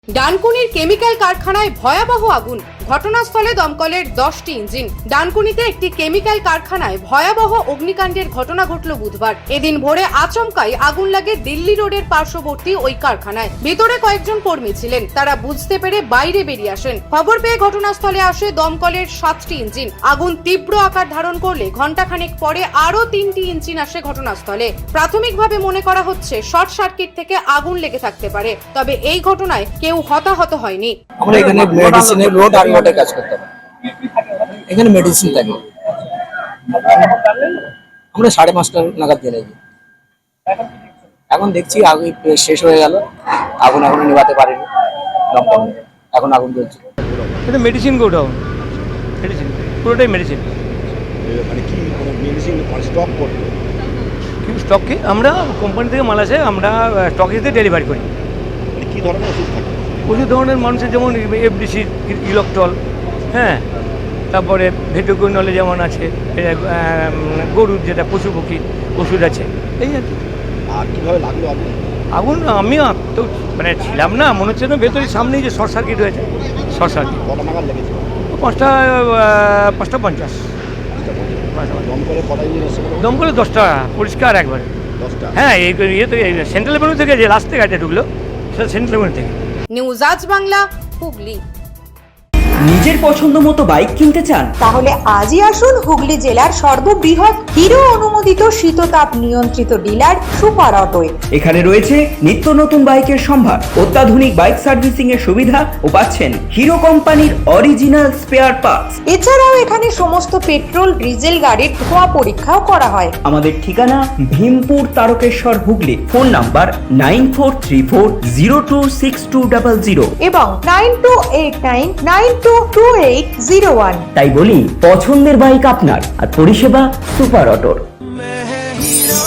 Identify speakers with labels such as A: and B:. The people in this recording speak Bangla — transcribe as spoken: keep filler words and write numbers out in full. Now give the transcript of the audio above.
A: ডানকুনির কেমিক্যাল কারখানায় ভয়াবহ আগুন, ঘটনাস্থলে দমকলের দশটি ইঞ্জিন। ডানকুনিতে একটি কেমিক্যাল কারখানায় ভয়াবহ অগ্নিকাণ্ডের ঘটনা ঘটল বুধবার। এদিন ভোরে আচমকাই আগুন লাগে দিল্লি রোডের পার্শ্ববর্তী ওই কারখানায়। ভিতরে কয়েকজন কর্মী ছিলেন, তারা বুঝতে পেরে বাইরে বেরিয়ে আসেন। খবর পেয়ে ঘটনাস্থলে আসে দমকলের সাতটি ইঞ্জিন। আগুন তীব্র আকার ধারণ করলে ঘণ্টাখানেক পরে আরো তিনটি ইঞ্জিন আসে ঘটনাস্থলে। প্রাথমিকভাবে মনে করা হচ্ছে শর্ট সার্কিট থেকে আগুন লেগে থাকতে পারে, তবে এই ঘটনায় কেউ হতাহত হয়নি।
B: আমরা এখানে মেডিসিনের রোড আর রোডে কাজ করতাম, এখানে মেডিসিন থাকে। আমরা সাড়ে পাঁচটা নাগাদ বেরিয়েছি। এখন দেখছি আগুন শেষ হয়ে গেল, আগুন এখনো নেভাতে পারেনি দমকল, এখন আগুন জ্বলছে।
C: এটা মেডিসিন গোডাউন, মেডিসিন পুরোটাই মেডিসিন।
D: মানে কি মেডিসিন স্টক করতে
C: কি স্টক কি আমরা কোম্পানি থেকে মাল আসে, আমরা স্টকেজে ডেলিভারি করি।
D: মানে কী ধরনের ওষুধ থাকে?
C: প্রচুর ধরনের মানুষের যেমন এফডিসি, ইলেকট্রল, হ্যাঁ, তারপরে ভেটোকুইনলে যেমন আছে, গরুর যেটা পশু পক্ষীর ওষুধ আছে, এই আর কি।
D: আর কীভাবে লাগলো আপনি?
C: আগুন আমি তো মানে ছিলাম না, মনে হচ্ছে না ভেতরে সামনেই যে শর্ট সার্কিট হয়েছে। শর্ট সার্কিট
D: কটা নাগাদ লেগেছে?
C: পাঁচটা পাঁচটা পঞ্চাশ।
D: দমকলে কটা ইঞ্জিন এসেছে?
C: দমকলে দশটা, পরিষ্কার একবারে
D: দশটা।
C: হ্যাঁ, এই ইয়ে তো সেন্ট্রাল এভিনিউ থেকে যে লাস্ট থেকে ঢুকলো সেটা সেন্ট্রাল এভিনিউ থেকে।
A: নিউজ আজ বাংলা, হুগলি।
E: নিজের পছন্দ মতো বাইক কিনতে চান?
F: তাহলে আজই আসুন হুগলি জেলার সর্ববৃহৎ হিরো অনুমোদিত শীততাপ নিয়ন্ত্রিত ডিলার সুপার অটোয়।
E: এখানে রয়েছে নিত্য নতুন বাইকের সম্ভার, অত্যাধুনিক বাইক সার্ভিসিং এর সুবিধা ও পাচ্ছেন হিরো কোম্পানির অরিজিনাল স্পেয়ার পার্টস।
F: এছাড়াও এখানে সমস্ত পেট্রোল ডিজেল গাড়ির ধোঁয়া পরীক্ষাও করা হয়।
E: আমাদের ঠিকানা Bhimpur Tarakeswar Hooghly. Phone number nine four three four zero two six two double zero
F: এবং nine two eight nine nine two two eight zero one.
E: তাই বলি, পছন্দের বাইক আপনার আর পরিষেবা সুপার অটোর।